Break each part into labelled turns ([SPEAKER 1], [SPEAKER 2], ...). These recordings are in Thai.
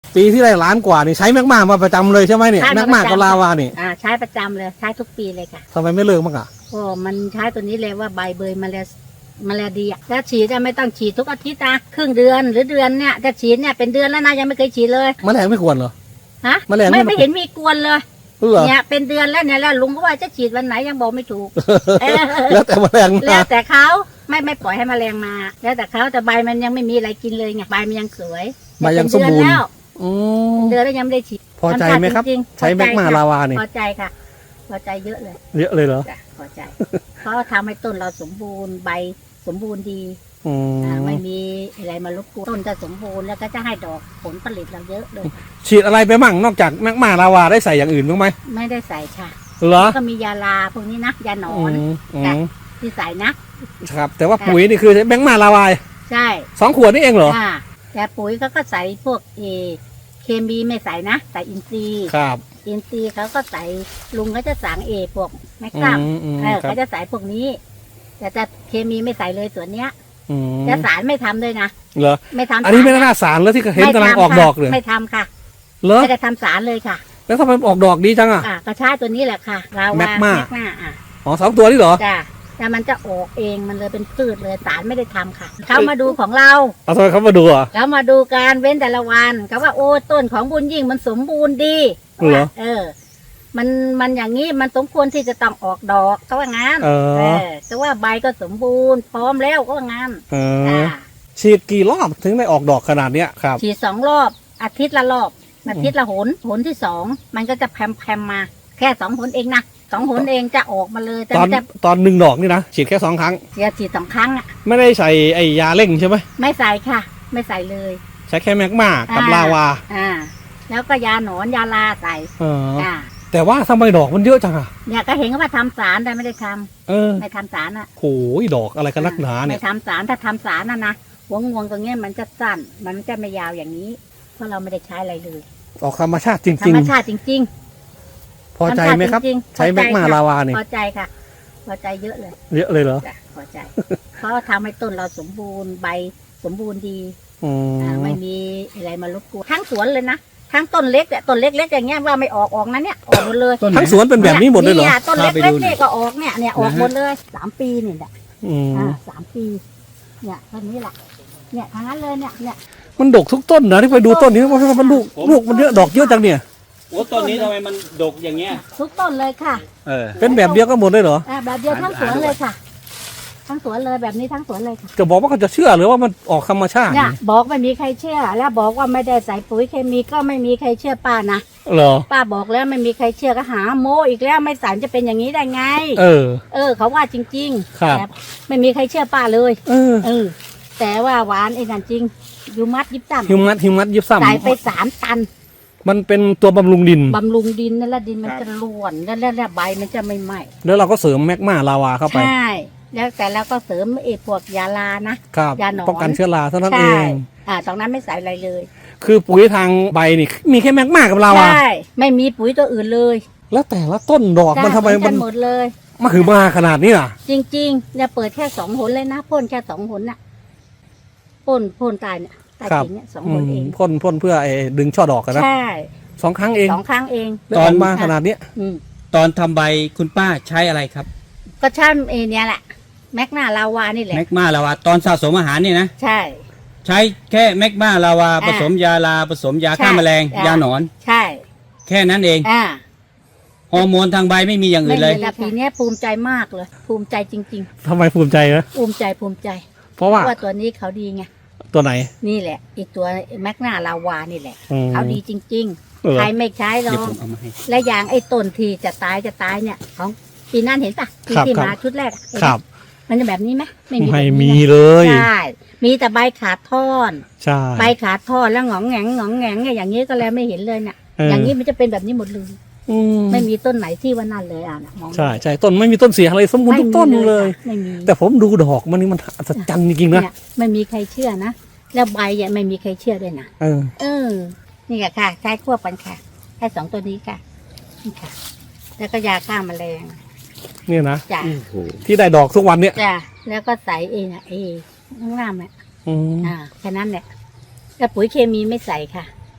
[SPEAKER 1] ปีที่ได้ล้านกว่านี่ใช้แมกมามาประจำเลยใช่ไหมเนี่ยแมกมากับลาวานี่
[SPEAKER 2] ใช้ประจำเลยใช้ทุกปีเลยค่ะ
[SPEAKER 1] ทำไมไม่เลิกบ้างอ่ะ
[SPEAKER 2] ก็มันใช้ตัวนี้เลยว่าใบเบยมาแลดีอะแล้วฉีดไม่ต้องฉีดทุกอาทิตย์นะครึ่งเดือนหรือเดือนเนี่ยจะฉีดเนี่ยเป็นเดือนแล้วนะยังไม่เคยฉีดเลย
[SPEAKER 1] แมลงไม่ควรเหรอ
[SPEAKER 2] ฮะ
[SPEAKER 1] แมลง
[SPEAKER 2] ไม่เห็นมีกวนเลยเนี่ยเป็นเดือนแล้วเนี่ยแล้วลุงก็ว่าจะฉีดวันไหนยังบอกไม่ถูก
[SPEAKER 1] แล้วแต่แมลง
[SPEAKER 2] แล้วแต่เขาไม่ปล่อยให้แมลงมาแล้วแต่เขาแต่ใบมันยังไม่มีอะไรกินเลยไงใบมันยังสวย
[SPEAKER 1] ใบยังสมบูรณ์
[SPEAKER 2] เดือนแล้วยังไม่ได้ฉีด
[SPEAKER 1] พอใจไหมครับใช้แมกมาลาวาเนี่ย
[SPEAKER 2] พอใจค่ะพอใจเยอะเลย
[SPEAKER 1] เหรอ
[SPEAKER 2] พอใจเพราะทำให้ต้นเราสมบูรณ์ใบสมบูรณ์ดีไม่มีอะไรมารบกวนต้นจะสมบูรณ์แล้วก็จะให้ดอกผลผลิตเราเยอะเลย
[SPEAKER 1] ฉีดอะไรไปมั่งนอกจากแมกมาลาวาได้ใส่อย่างอื่นบ้างไหม
[SPEAKER 2] ไม่ได้ใส่ค่ะ
[SPEAKER 1] เหรอ
[SPEAKER 2] ก็มียาลาพวกนี้นะยาหนอนที่ใส่
[SPEAKER 1] นะครับแต่ว่าปุ๋ยนี่คือแมกมาลาวา
[SPEAKER 2] ใช่
[SPEAKER 1] 2 ขวดนี่เองเหรอ
[SPEAKER 2] แต่ปุ๋ยเขาก็ใส่พวกเคมีไม่ใส่นะใส่อินทรีย์
[SPEAKER 1] ครับ
[SPEAKER 2] อินทรีย์เขาก็ใส่ลุงเขาจะสั่งพวกแมกนัมเขาจะใส่พวกนี้แต่เคมีไม่ใส่เลยส่วนเนี้ยแต่สารไม่ทำเลยนะ
[SPEAKER 1] เหรอ
[SPEAKER 2] ไม่ทำ
[SPEAKER 1] อันนี้ไม่น่าสารแล้วที่เห็นกำลังออกดอกเลย
[SPEAKER 2] ไม่ทำค่ะ
[SPEAKER 1] เหรอ
[SPEAKER 2] ไม่ได้ทำสารเลยค่ะ
[SPEAKER 1] แล้วทำไมออกดอกดีจังอ่ะ
[SPEAKER 2] ก็ใช้ตัวนี้แหละค่ะเรา
[SPEAKER 1] แมกมา
[SPEAKER 2] อ๋อ
[SPEAKER 1] 2 ตัวนี่เหรอ
[SPEAKER 2] จ้ะแต่มันจะออกเองมันเลยเป็นพืชเลยสารไม่ได้ทำค่ะเขามาดูของเรา
[SPEAKER 1] ทำไมเขามาดูอ่ะ
[SPEAKER 2] เขามาดูการเว้นแต่ละวันเขาว่าโอ้ต้นของบุญยิ่งมันสมบูรณ์ดี
[SPEAKER 1] เหรอ
[SPEAKER 2] มันอย่างนี้มันสมควรที่จะต้องออกดอกเขาว่างั้นแต่ว่าใบก็สมบูรณ์พร้อมแล้วก็ว่างั้น
[SPEAKER 1] ฉีดกี่รอบถึงได้ออกดอกขนาดเนี้ยครับ
[SPEAKER 2] ฉีด2 รอบอาทิตย์ละรอบอาทิตย์ละหนที่2มันก็จะแพมมาแค่2 หนเองนะ2 หนเองจะออกมาเลย
[SPEAKER 1] ตอน1 ดอกนี่นะฉีดแค่2 ครั้ง
[SPEAKER 2] ฉีด2 ครั้งอ่ะ
[SPEAKER 1] ไม่ได้ใส่ไอยาเร่งใช่ไหม
[SPEAKER 2] ไม่ใส่ค่ะไม่ใส่เลย
[SPEAKER 1] ใช้แค่แมกมากับลาวา
[SPEAKER 2] แล้วก็ยาหนอนยาลาใส่
[SPEAKER 1] แต่ว่าทำไมดอกมันเยอะจังอ่ะ
[SPEAKER 2] เนี่ยก็เห็นว่าทำสารแต่ไม่ได้ทำไม่ทำสารอ่ะ
[SPEAKER 1] โอ้ยดอกอะไรกันนักหนาเนี่ย
[SPEAKER 2] ไม่ทำสารถ้าทำสารนะหัวงวงตรงนี้มันจะสั้นมันจะไม่ยาวอย่างนี้เพราะเราไม่ได้ใช้อะไรเลย
[SPEAKER 1] ออกธรรมชาติจริง
[SPEAKER 2] ธรรมชาติจริง
[SPEAKER 1] พอใจไหมครับใช้แมกมาลาวาเนี่ย
[SPEAKER 2] พอใจค่ะพอใจเยอะเลย
[SPEAKER 1] เหรอ
[SPEAKER 2] พอใจเพราะทำให้ต้นเราสมบูรณ์ใบสมบูรณ์ดีไม่มีอะไรมารบกวนทั้งสวนเลยนะทั้งต้นเล็กเนี่ยต้นเล็กๆอย่างเงี้ยว่าไม่ออกนะเนี่ยออกหมดเลย
[SPEAKER 1] ทั้งสวนเป็นแบบนี้หมดเลยเหรอ
[SPEAKER 2] ต้นเล็กๆเนี่ยก็ออกเนี่ยออกหมดเลย3 ปีเนี่ย3 ปีเนี่ยต้นนี้แหละเนี่ยทั้งนั้นเลยเนี่ย
[SPEAKER 1] มันดกทุกต้นนะที่ไปดูต้นนี้มันลูกมันเยอะดอกเยอะจังเนี่ย
[SPEAKER 3] โอ้ต้นนี้ทำไมมันดกอย่างเงี้ย
[SPEAKER 2] ทุกต้นเลยค่ะ
[SPEAKER 1] เป็นแบบเดียวกันหมดเลยเหรอ
[SPEAKER 2] แบบเดียวทั้งสวนเลยค่ะทั้งสวนเลยแบบนี้ทั้งสวนเลยค่ะ
[SPEAKER 1] จะบอกว่าเขาจะเชื่อหรือว่ามันออกธรรมชาติ
[SPEAKER 2] เนี่ยบอกไม่มีใครเชื่อแล้วบอกว่าไม่ได้ใส่ปุ๋ยเคมีก็ไม่มีใครเชื่อป้านะ
[SPEAKER 1] เหรอ
[SPEAKER 2] ป้าบอกแล้วไม่มีใครเชื่อก็หาโมอีกแล้วไม่สารจะเป็นอย่างนี้ได้ไงเขาว่าจริง
[SPEAKER 1] ๆครับ
[SPEAKER 2] ไม่มีใครเชื่อป้าเลยแต่ว่าหวานไอ้นั่นจริงฮิวมัสยิบซ้ำ
[SPEAKER 1] ฮิวมัสยิบซ้ำ
[SPEAKER 2] ใส่ไป3 ตัน
[SPEAKER 1] มันเป็นตัวบำรุงดิน
[SPEAKER 2] นั่นแหละดินมันจะร่วนแล้วใบมันจะไม่ไหม้
[SPEAKER 1] แล้วเราก็เสริมแมกมาลาวาเข้าไป
[SPEAKER 2] ใช่แล้วแต่เราก็เสริมพวกยาลานะ
[SPEAKER 1] ยาหนอนป้องกันเชื้อราเท่านั้นเอง
[SPEAKER 2] ตรงนั้นไม่ใส่อะไรเลย
[SPEAKER 1] คือปุ๋ยทางใบนี่มีแค่แมกมากับลาวา
[SPEAKER 2] ใช่ไม่มีปุ๋ยตัวอื่นเลย
[SPEAKER 1] แล้วแต่ละต้นดอกมันทำไมมัน
[SPEAKER 2] หมดเลย
[SPEAKER 1] มาคือมาขนาดนี้อ่ะ
[SPEAKER 2] จริงๆเนี่ยเปิดแค่2 หนเลยนะพ่นแค่2 หนน่ะพ่นตายเนี่ยตายจริงเนี่ย2 หนเอง
[SPEAKER 1] พ่นเพื่อดึงช่อดอกกันนะ
[SPEAKER 2] ใช่
[SPEAKER 1] 2 ครั้งเอง
[SPEAKER 2] 2 ครั้งเอง
[SPEAKER 1] ตอนมาขนาดนี้
[SPEAKER 3] ตอนทำใบคุณป้าใช้อะไรครับ
[SPEAKER 2] ก็ใช่เนี่ยแหละแมกมาลาวานี่แหละ
[SPEAKER 3] แมกมาลาวาตอนสะสมอาหารนี่นะ
[SPEAKER 2] ใช่
[SPEAKER 3] ใช้แค่แมกมาลาวาผสมยาลาผสมยาฆ่าแมลงยาหนอน
[SPEAKER 2] ใช่
[SPEAKER 3] แค่นั้นเองฮอร์โมนทางใบไม่มีอย่างอื่นเลย
[SPEAKER 2] แต่ปีนี้ภูมิใจมากเลยภูมิใจจริง
[SPEAKER 1] ๆทำไมภูมิใจนะ
[SPEAKER 2] ภูมิใจ
[SPEAKER 1] เพราะว่า
[SPEAKER 2] ตัวนี้เขาดีไง
[SPEAKER 1] ตัวไหน
[SPEAKER 2] นี่แหละอีกตัวแมกนาลาวานี่แหละเขาดีจริงๆใครไม่ใช้หรอกและอย่างไอ้ต้นที่จะตายเนี่ยของปีนั้นเห็นปะที่มาชุดแรก
[SPEAKER 1] ครับ
[SPEAKER 2] มันจะแบบนี้ไหม
[SPEAKER 1] ไม่มีเลย
[SPEAKER 2] ใช่มีแต่ใบขาดท่อน
[SPEAKER 1] ใช่
[SPEAKER 2] ใบขาดท่อนแล้วหงองแงงอย่างนี้ก็แล้วไม่เห็นเลยเนี่ยอย่างนี้มันจะเป็นแบบนี้หมดเลยไม่มีต้นไหนที่ว่านั่นเลยมอง
[SPEAKER 1] ใช่ต้นไม่มีต้นเสียอะไรสมบูรณ์ทุกต้นเลยไม่มีแต่ผมดูดอกมันนี่มันอัศจรรย์จริงๆนะ
[SPEAKER 2] ไม่มีใครเชื่อนะแล้วใบเนี่ยไม่มีใครเชื่อด้วยนะนี่ค่ะใช้ควบกันค่ะใช้2 ตัวนี้ค่ะนี่ค่ะแล้วก็ยาฆ่าแมลง
[SPEAKER 1] เนี่ยนะที่ได้ดอกทุกวันเนี่ย
[SPEAKER 2] จ้ะแล้วก็ใส่ข้างล่างเนี่ยแค่นั้นแหละแต่ปุ๋ยเคมีไม่ใส่ค่ะ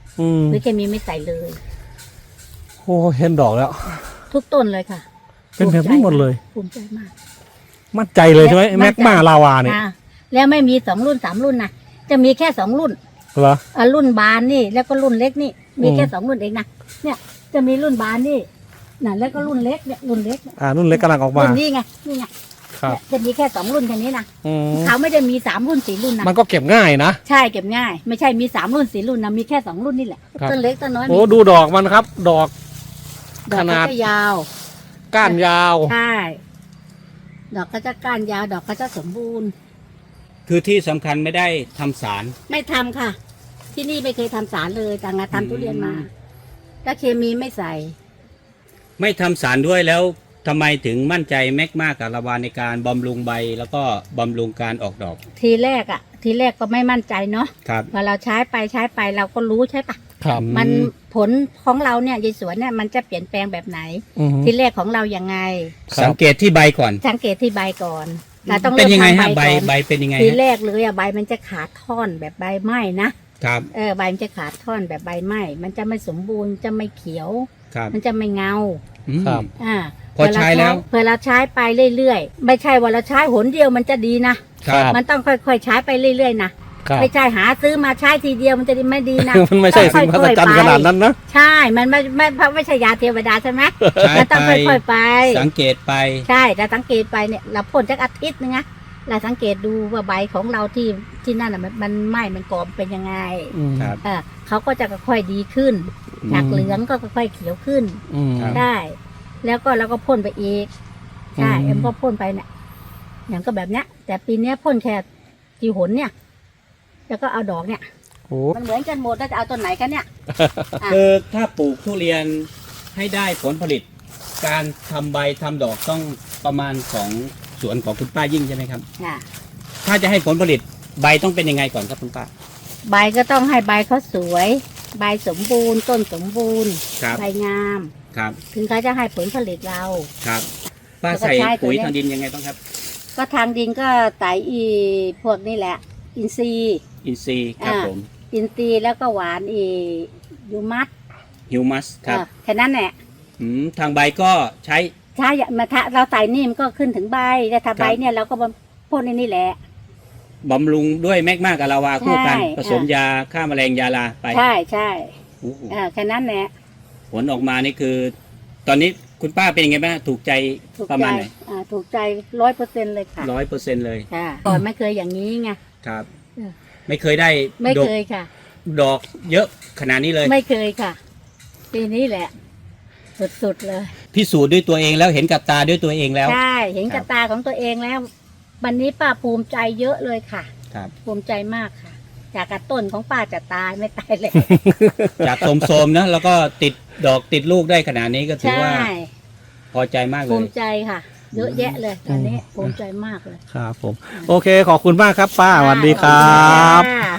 [SPEAKER 2] ปุ๋ยเคมีไม่ใส่เลย
[SPEAKER 1] โอ้เห็นดอกแล้ว
[SPEAKER 2] ทุกต้นเลยค่ะ
[SPEAKER 1] เป็นแบบนี้หมดเลย
[SPEAKER 2] ภูมิใจมาก
[SPEAKER 1] มั่นใจเลยใช่ไหม
[SPEAKER 2] มั่
[SPEAKER 1] แม็
[SPEAKER 2] น
[SPEAKER 1] ก
[SPEAKER 2] ใจ
[SPEAKER 1] มาลาวาเนี่ย
[SPEAKER 2] อ่าแล้วไม่มี2 รุ่น 3 รุ่นนะจะมีแค่2 รุ่น
[SPEAKER 1] เหรอ
[SPEAKER 2] รุ่นบานนี่แล้วก็รุ่นเล็กนี่มีแค่
[SPEAKER 1] อืม
[SPEAKER 2] 2 รุ่นเองนะเนี่ยจะมีรุ่นบานนี่น่ะแล้วก็รุ่นเล็กเนี่ยรุ่นเล็กเนี่ย
[SPEAKER 1] รุ่นเล็กกำลังออกมา
[SPEAKER 2] รุ่นนี้ไงนี่ไง
[SPEAKER 1] ครับ
[SPEAKER 2] เนี่ยจะมีแค่2 รุ่นแค่นี้นะ
[SPEAKER 1] อืม
[SPEAKER 2] เขาไม่ได้มี3 รุ่น4 รุ่นนะ
[SPEAKER 1] มันก็เก็บง่ายนะ
[SPEAKER 2] ใช่เก็บง่าย ไม่ใช่มี3 รุ่น4 รุ่นนะมีแค่2 รุ่นนี่แหละ
[SPEAKER 1] ครับ
[SPEAKER 2] ต้นเล็กต้นน้อย
[SPEAKER 1] โอ้ดูดอกมันครับ ดอก
[SPEAKER 2] ดอก
[SPEAKER 1] ขนาด
[SPEAKER 2] ก็จะยาว
[SPEAKER 1] ก้านยาว
[SPEAKER 2] ใช่ดอกก็จะก้านยาวดอกก็จะสมบูรณ์
[SPEAKER 3] คือที่สำคัญไม่ได้ทำสาร
[SPEAKER 2] ไม่ทำค่ะ ที่นี่ไม่เคยทำสารเลยต่างงานทำทุเรียนมาแล้วเคมีไม่ใส่
[SPEAKER 3] ไม่ทำสารด้วยแล้วทำไมถึงมั่นใจแมกมากับลาวาในการบำรุงใบแล้วก็บำรุงการออกดอก
[SPEAKER 2] ทีแรกก็ไม่มั่นใจเนาะ
[SPEAKER 3] ครับ
[SPEAKER 2] พอเราใช้ไปเราก็รู้ใช่ปะ
[SPEAKER 1] ครับ
[SPEAKER 2] มันผลของเราเนี่ยยายสวนเนี่ยมันจะเปลี่ยนแปลงแบบไหน
[SPEAKER 1] อืม
[SPEAKER 2] ทีแรกของเรายังไง
[SPEAKER 1] ครับ
[SPEAKER 3] สังเกตที่ใบก่อน
[SPEAKER 2] สังเกตที่ใบก่อนเราต้อง
[SPEAKER 3] เป็นยังไง
[SPEAKER 2] เริ่
[SPEAKER 3] ฮะ
[SPEAKER 2] มทำ
[SPEAKER 3] ใบ
[SPEAKER 2] ก่อน
[SPEAKER 3] ใบเป็นยังไง
[SPEAKER 2] ที
[SPEAKER 3] ฮะ
[SPEAKER 2] แรกเลยใบมันจะขาดท่อนแบบใบไหม้นะครับ ใบมันจะขาดท่อนแบบใบไหม้มันจะไม่สมบูรณ์จะไม่เขียว
[SPEAKER 3] ครับ
[SPEAKER 2] มันจะไม่เงา
[SPEAKER 3] อืม
[SPEAKER 1] ครับ
[SPEAKER 3] พอใช้แล้ว
[SPEAKER 2] เพื่อเราใช้ไปเรื่อยๆไม่ใช่ว่าเราใช้หนเดียวมันจะดีนะครับ มันต้องค่อยๆใช้ไปเรื่อยๆนะครับ ไม่ใช่หาซื้อมาใช้ทีเดียวมันจะไม่ดีนะ
[SPEAKER 1] มันไม่ใช่สิ่งมหัศจรรย์ขนาดนั้นนะ
[SPEAKER 2] ใช่ มันไม่ใช่ยาเทวดาใช่ไหม
[SPEAKER 3] ใช้
[SPEAKER 2] มันต้อง
[SPEAKER 3] ไป
[SPEAKER 2] ค่อยๆไป
[SPEAKER 3] สังเกตไป
[SPEAKER 2] ใช่แต่สังเกตไปเนี่ยเราพ่นจักอาทิตย์นึงนะเราสังเกตดูว่าใบของเราที่นั่นอ่ะมันไหม้มันกรอบเป็นยังไง
[SPEAKER 3] ครับ
[SPEAKER 2] เขาก็จะค่อยๆดีขึ้น
[SPEAKER 3] อืม
[SPEAKER 2] จากเหลืองก็ค่อยๆเขียวขึ้น
[SPEAKER 3] ครับ
[SPEAKER 2] ได้ แล้วก็เราก็พ่นไปอีกใช่
[SPEAKER 1] อืม
[SPEAKER 2] เอ็มก็พ่นไปเนี่ยอย่างก็แบบเนี้ย แต่ปีเนี้ยพ่นแค่กี่หนเนี่ย แล้วก็เอาดอกเนี่ย
[SPEAKER 1] โอ้
[SPEAKER 2] มันเหมือนกันหมดแล้วจะเอาต้นไหนกันเนี่ย
[SPEAKER 3] คือถ้าปลูกทุเรียนให้ได้ผลผลิต การทำใบทำดอกต้องประมาณของสวนของคุณป้ายิ่งใช่ไหมครับ
[SPEAKER 2] อ่ะ
[SPEAKER 3] ถ้าจะให้ผลผลิตใบต้องเป็นยังไงก่อนครับคุณป้า
[SPEAKER 2] ใบก็ต้องให้ใบเขาสวย ใบสมบูรณ์ ต้นสมบูรณ์
[SPEAKER 3] ครับ
[SPEAKER 2] ใบงาม
[SPEAKER 3] ครับ
[SPEAKER 2] ถึงเขาจะให้ผลผลิตเรา
[SPEAKER 3] ครับป้า
[SPEAKER 2] แล้วก็
[SPEAKER 3] ใส่
[SPEAKER 2] ใช้ตัว
[SPEAKER 3] ปุ๋ย
[SPEAKER 2] เนี้ย
[SPEAKER 3] ทางดินยังไงบ้างครับ
[SPEAKER 2] ก็ทางดินก็ไตพวกนี้แหละ อินทรีย์
[SPEAKER 3] อินทรีย์ครับผม
[SPEAKER 2] อินทรีย์แล้วก็หวานยูมัส
[SPEAKER 3] ฮิวมัสครับ
[SPEAKER 2] แค่นั้นแหละ
[SPEAKER 3] ทางใบก็ใช้
[SPEAKER 2] ถ้ามาถ้าเราใส่นี่มันก็ขึ้นถึงใบแต่ถ้า
[SPEAKER 3] ครับ
[SPEAKER 2] ใบเนี่ยเราก็มาพ่นในนี่แหละ
[SPEAKER 3] บำรุงด้วยแมกมากับลาวาคู่กัน
[SPEAKER 2] ใช่
[SPEAKER 3] ผสมยาฆ่าแมลงยาลาไป
[SPEAKER 2] ใช่ใช่
[SPEAKER 3] โอ้โห
[SPEAKER 2] แค่นั้นแหละ
[SPEAKER 3] ผลออกมานี่คือ ตอนนี้คุณป้าเป็นยังไงบ้างถูกใจ
[SPEAKER 2] ถูก
[SPEAKER 3] ประ
[SPEAKER 2] ใจ
[SPEAKER 3] มาณไหน
[SPEAKER 2] ถูกใจ100%เลยค่ะ
[SPEAKER 3] 100%เลย
[SPEAKER 2] ค่ะก่อนไม่เคยอย่างนี้ไง
[SPEAKER 3] ครับ
[SPEAKER 2] เออ
[SPEAKER 3] ไม่เคยได้
[SPEAKER 2] ไม่
[SPEAKER 3] ดอก
[SPEAKER 2] เคยค่ะ
[SPEAKER 3] ดอกเยอะขนาดนี้เลย
[SPEAKER 2] ไม่เคยค่ะ ปีนี้แหละ สุดๆเลย
[SPEAKER 3] พิสูจน์ด้วยตัวเองแล้วเห็นกับตาด้วยตัวเองแล้ว
[SPEAKER 2] ใช่เห็น
[SPEAKER 3] ครั
[SPEAKER 2] กับบ ตาของตัวเองแล้ว วันนี้ป้าภูมิใจเยอะเลยค่ะ
[SPEAKER 3] ครับ
[SPEAKER 2] ภูมิใจมากค่ะ จากกระต้นของป้าจะตายไม่ตายเลย
[SPEAKER 3] จากโสมๆนะแล้วก็ติดดอกติดลูกได้ขนาดนี้ก็ถือ
[SPEAKER 2] ใช่
[SPEAKER 3] ว่าพอใจมากเล
[SPEAKER 2] ภู
[SPEAKER 3] ย
[SPEAKER 2] มิใจค่ะ เยอะแยะเลยตอนนี้ภูมิใจมากเลย
[SPEAKER 1] ครับผม โอเค ขอบคุณมากครับป้าสวัสดีครับ
[SPEAKER 2] ค่ะ